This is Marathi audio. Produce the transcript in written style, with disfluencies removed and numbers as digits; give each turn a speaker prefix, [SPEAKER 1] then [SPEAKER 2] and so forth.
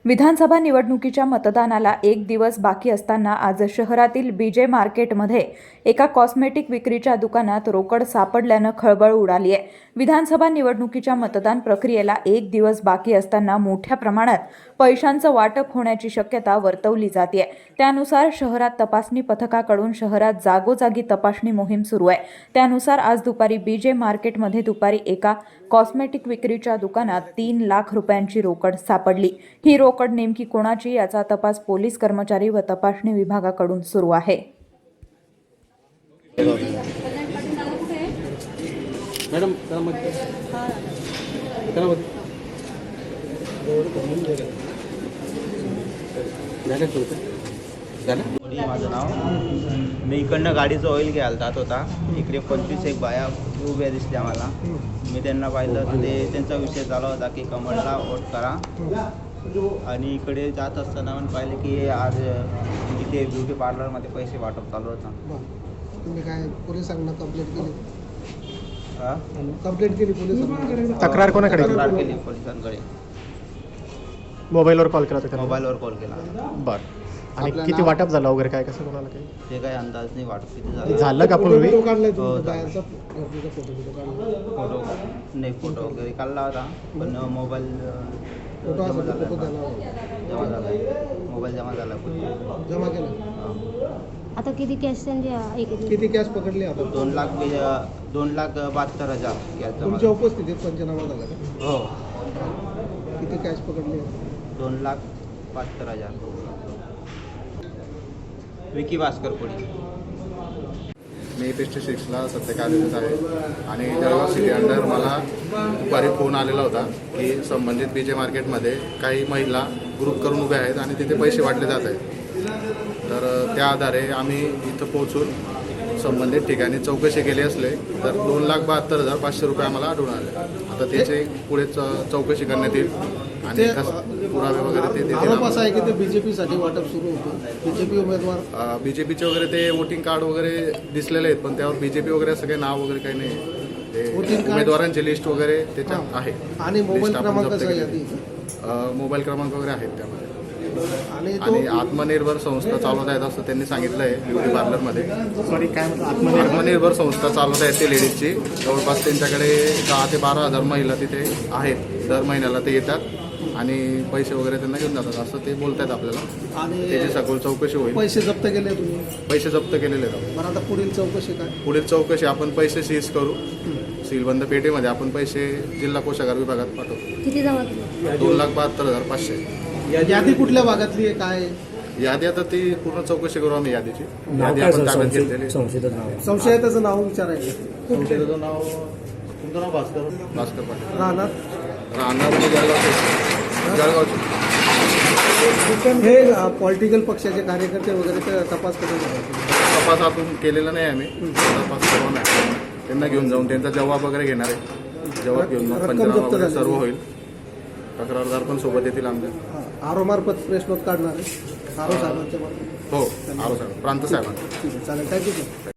[SPEAKER 1] विधानसभा निवडणुकीच्या मतदानाला एक दिवस बाकी असताना आज शहरातील बीजे मार्केटमध्ये एका कॉस्मेटिक विक्रीच्या दुकानात रोकड सापडल्यानं खळबळ उडाली आहे। विधानसभा निवडणुकीच्या मतदान प्रक्रियेला एक दिवस बाकी असताना मोठ्या प्रमाणात पैशांचं वाटप होण्याची शक्यता वर्तवली जाते। त्यानुसार शहरात तपासणी पथकाकडून शहरात जागोजागी तपासणी मोहीम सुरू आहे। त्यानुसार आज दुपारी बीजे मार्केटमध्ये दुपारी एका कॉस्मेटिक विक्रीच्या दुकानात 3 लाख रुपयांची रोकड सापडली। ही रोकड नेमकी कोणाची याचा तपास पोलीस कर्मचारी व तपासणी विभागाकडून सुरू आहे।
[SPEAKER 2] मॅडम
[SPEAKER 3] माझं नाव मी इकडनं गाडीचं ऑइल घ्यायला जात होता। इकडे 25 बाया उभ्या दिसल्या मला। मी त्यांना पाहिलं तर ते त्यांचा विषय चालू होता की कमळला वोट करा। आणि इकडे जात असताना पण पाहिले की आज इथे ब्युटी पार्लरमध्ये पैसे वाटप चालू होता।
[SPEAKER 4] तुम्ही काय पोलिसांना कंप्लेंट केली?
[SPEAKER 2] तक्रार कोणाकडे
[SPEAKER 3] केली? पोलिसांकडे
[SPEAKER 2] मोबाईलवर कॉल केला होता?
[SPEAKER 3] मोबाईलवर कॉल केला।
[SPEAKER 2] बरं, आणि किती वाटप झालं वगैरे काय कसं कोणाला काही
[SPEAKER 3] ते काही अंदाज नाही वाटप किती
[SPEAKER 2] झालं का पूर्वी?
[SPEAKER 3] फोटो नाही, फोटो वगैरे काढला होता पण मोबाईल जमा झाला। मोबाईल जमा झाला,
[SPEAKER 4] जमा केला।
[SPEAKER 5] आता किती कॅश
[SPEAKER 4] किती कॅश पकडली आपण?
[SPEAKER 3] 2,72,000 कॅश जमा।
[SPEAKER 4] तुमच्या उपस्थितीत पंचनामा झाला का?
[SPEAKER 3] हो,
[SPEAKER 4] किती कॅश पकडली?
[SPEAKER 3] 2,72,000। विकी भास्कर कोळी।
[SPEAKER 6] मी पेस्टिसाइड्सला सध्या कार्यरत आहे आणि जळगाव सिटी अंडर मला दुपारी फोन आलेला होता की संबंधित बीजे मार्केटमध्ये काही महिला ग्रुप करून उभ्या आहेत आणि तिथे पैसे वाटले जात आहेत। तर त्या आधारे आम्ही इथं पोहोचून संबंधित ठिकाणी चौकशी केली असले तर 2,72,500 रुपये आम्हाला आढळून आले। आता त्याचे पुढे चौकशी करण्यात येईल आणि पुरावे वगैरे ते देतील।
[SPEAKER 4] आरोप असा आहे की ते बीजेपीसाठी वाटप सुरू होतं। बीजेपी उमेदवार
[SPEAKER 6] बीजेपीचे वगैरे ते वोटिंग कार्ड वगैरे दिसलेले आहेत पण त्यावर बीजेपी वगैरे असं काही नाव वगैरे काही नाही। ते उमेदवारांची लिस्ट वगैरे त्याच्यात आहे
[SPEAKER 4] आणि मोबाईल क्रमांक
[SPEAKER 6] मोबाईल क्रमांक वगैरे आहेत त्यामध्ये। आणि आत्मनिर्भर संस्था चालवत आहेत असं त्यांनी सांगितलं आहे। ब्युटी पार्लरमध्ये आत्मनिर्भर संस्था चालवत आहेत ते लेडीजची। जवळपास त्यांच्याकडे 10,000 ते 12,000 महिला तिथे आहेत। दर महिन्याला ते येतात आणि पैसे वगैरे त्यांना घेऊन जातात असं ते बोलत आहेत आपल्याला। आणि त्याची सखोल चौकशी होईल।
[SPEAKER 4] पैसे जप्त केले तुम्ही?
[SPEAKER 6] पैसे जप्त केलेले आहेत।
[SPEAKER 4] बरं, आता पुढील चौकशी काय?
[SPEAKER 6] पुढील चौकशी आपण पैसे सीज करू। सीलबंद पेटीमध्ये आपण पैसे जिल्हा कोषागार विभागात पाठवतो।
[SPEAKER 5] किती जमा केले?
[SPEAKER 6] 2,72,500।
[SPEAKER 4] यादी कुठल्या भागातली आहे काय?
[SPEAKER 6] यादी आता ती पूर्ण चौकशी करू आम्ही यादीची। यादी आपण ताब्यात घेतलेली।
[SPEAKER 4] संशयिताचं नाव विचारायचं।
[SPEAKER 6] संशयिताचं नाव, तुमचं नाव भास्कर पाटील।
[SPEAKER 4] राहणार
[SPEAKER 6] जळगावचे।
[SPEAKER 4] हे पॉलिटिकल पक्षाचे कार्यकर्ते वगैरे ते तपास करून
[SPEAKER 6] तपास आपण केलेला नाही आम्ही। तपास करू नाही, त्यांना घेऊन जाऊन त्यांचा जबाब वगैरे घेणार आहे। जबाब घेऊन जाऊन पंचनामा वगैरे सर्व होईल। तक्रारदार पण सोबत येतील आमच्या।
[SPEAKER 4] आरो मार्फत प्रेस नोट काढणार आहे आरो साहेबांच्या मार्फत?
[SPEAKER 6] हो, आरो साहेब, प्रांत साहेबांना।
[SPEAKER 4] ठीक आहे, चालेल, थँक्यू सर।